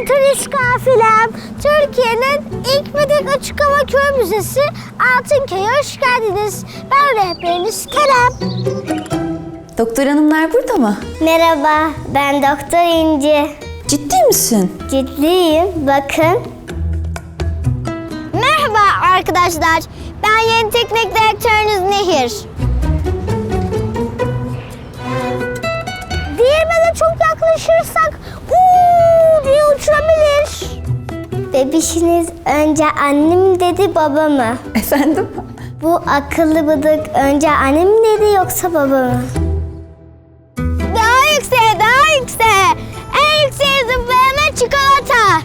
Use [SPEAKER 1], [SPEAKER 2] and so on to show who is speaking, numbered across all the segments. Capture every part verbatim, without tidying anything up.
[SPEAKER 1] ben turist kafilem. Türkiye'nin ilk ve tek açık hava köy müzesi Altınköy'e hoş geldiniz. Ben rehberiniz Kerem.
[SPEAKER 2] Doktor hanımlar burada mı?
[SPEAKER 1] Merhaba, ben Doktor İnci.
[SPEAKER 2] Ciddi misin?
[SPEAKER 1] Ciddiyim, bakın. Merhaba arkadaşlar, ben yeni teknik direktörünüz Nehir. Değirmene çok yaklaşırsak uuu diye uçurabilir. Bebişiniz önce annem dedi baba mı?
[SPEAKER 2] Efendim?
[SPEAKER 1] Bu akıllı bıdık önce annem mi dedi yoksa baba mı? Daha yükseğe, daha yükseğe. En yükseğe zıplayana çikolata.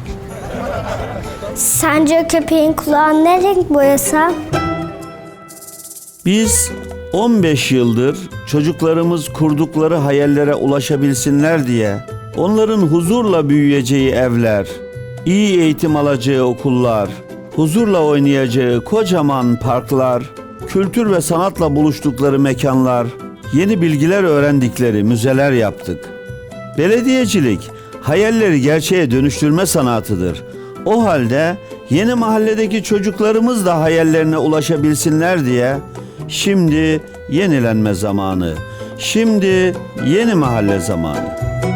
[SPEAKER 1] Sence köpeğin kulağını ne renk boyasam?
[SPEAKER 3] Biz on beş yıldır çocuklarımız kurdukları hayallere ulaşabilsinler diye onların huzurla büyüyeceği evler, iyi eğitim alacağı okullar, huzurla oynayacağı kocaman parklar, kültür ve sanatla buluştukları mekanlar, yeni bilgiler öğrendikleri müzeler yaptık. Belediyecilik, hayalleri gerçeğe dönüştürme sanatıdır. O halde yeni mahalledeki çocuklarımız da hayallerine ulaşabilsinler diye şimdi yenilenme zamanı, şimdi yeni mahalle zamanı.